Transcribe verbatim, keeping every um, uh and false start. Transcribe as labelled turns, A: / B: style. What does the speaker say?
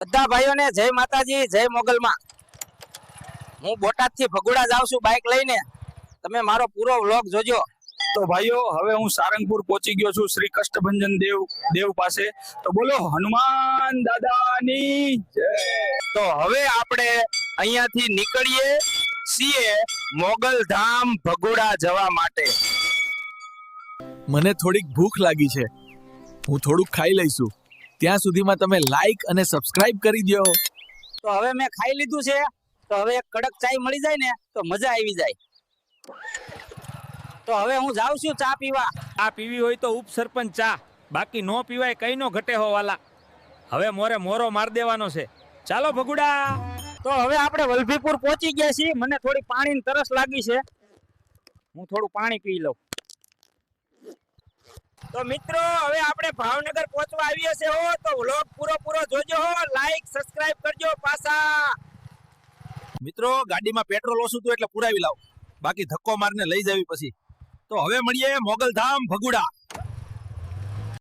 A: બધા ભાઈઓને જય માતાજી, જય મોગલમાં। હું બોટાદ થી ભગુડા જાઉં છું બાઇક લઈને, તમે મારો પૂરો વ્લોગ જોજો।
B: તો ભાઈઓ હવે હું સારંગપુર પહોંચી ગયો છું શ્રી કષ્ટભંજન દેવ દેવ પાસે। તો બોલો હનુમાન દાદાની જય।
A: તો હવે આપણે અહીંયાથી નીકળીએ છીએ મોગલધામ ભગુડા જવા માટે।
C: મને થોડીક ભૂખ લાગી છે, હું થોડુંક ખાઈ લઈશું। ત્યાં સુધીમાં તમે લાઈક અને સબસ્ક્રાઇબ કરી દો।
A: તો હવે મેં ખાઈ લીધું છે, તો હવે એક કડક ચાય મળી જાય ને તો મજા આવી જાય। તો હવે હું જાઉં છું ચા પીવા।
D: આ પીવી હોય તો ઉપસરપંચ ચા, બાકી નો પીવાય કઈ નો ઘટે હો વાલા। હવે મોરે મોરો માર દેવાનો છે, ચાલો ભગુડા।
A: તો હવે આપણે વલભીપુર પહોંચી ગયા છીએ। મને થોડી પાણીની તરસ લાગી છે, હું થોડું પાણી પી લઉં। તો મિત્રો હવે આપણે ભાવનગર પહોંચવા આવીએ છે હો, તો વ્લોગ પૂરો પૂરો જોજો હો, લાઈક સબસ્ક્રાઇબ કરજો પાછા।
C: મિત્રો ગાડીમાં પેટ્રોલ ઓછું હતું એટલે પુરાવી લાવ, બાકી ધક્કો મારને લઈ જવી પછી। તો હવે મળીએ મોગલધામ ભગુડા।